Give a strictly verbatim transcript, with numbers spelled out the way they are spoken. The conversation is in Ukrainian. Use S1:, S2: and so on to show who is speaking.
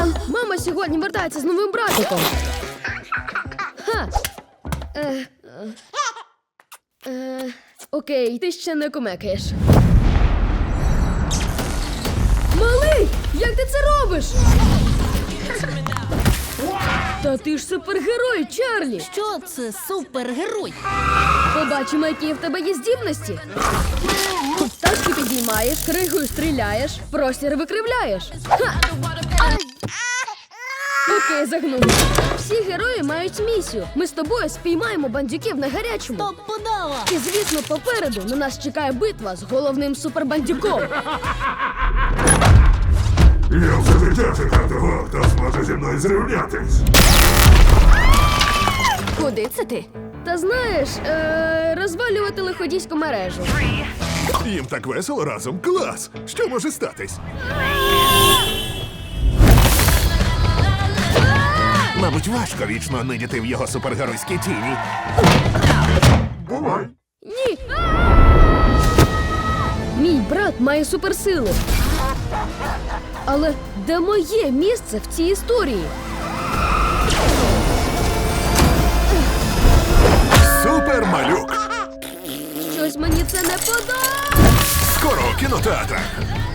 S1: Сорян, мама сьогодні вертається з новим братиком. Ха. Е, е, е, окей, ти ще не кумекаєш. Малий, як ти це робиш? Та ти ж супергерой, Чарлі!
S2: Що це супергерой?
S1: Побачимо, які в тебе є здібності. Тачки підіймаєш, кригою стріляєш, простір викривляєш. Ха! Окей, загнув. Всі герої мають місію. Ми з тобою спіймаємо бандюків на гарячому.
S2: Топ подава!
S1: І, звісно, попереду на нас чекає битва з головним супербандюком.
S3: Я все життя чекав того, хто зможе зі мною зрівнятись.
S2: Куди це ти?
S1: Та знаєш, е- розвалювати лиходійську мережу.
S3: Їм так весело разом. Клас! Що може статись? Мабуть, важко вічно нидіти в його супергеройській тіні. Бувай!
S1: Ні! Мій брат має суперсили. Але де моє місце в цій історії?
S3: Супермалюк!
S1: Щось мені це не подобається.
S3: Скоро у кінотеатрах!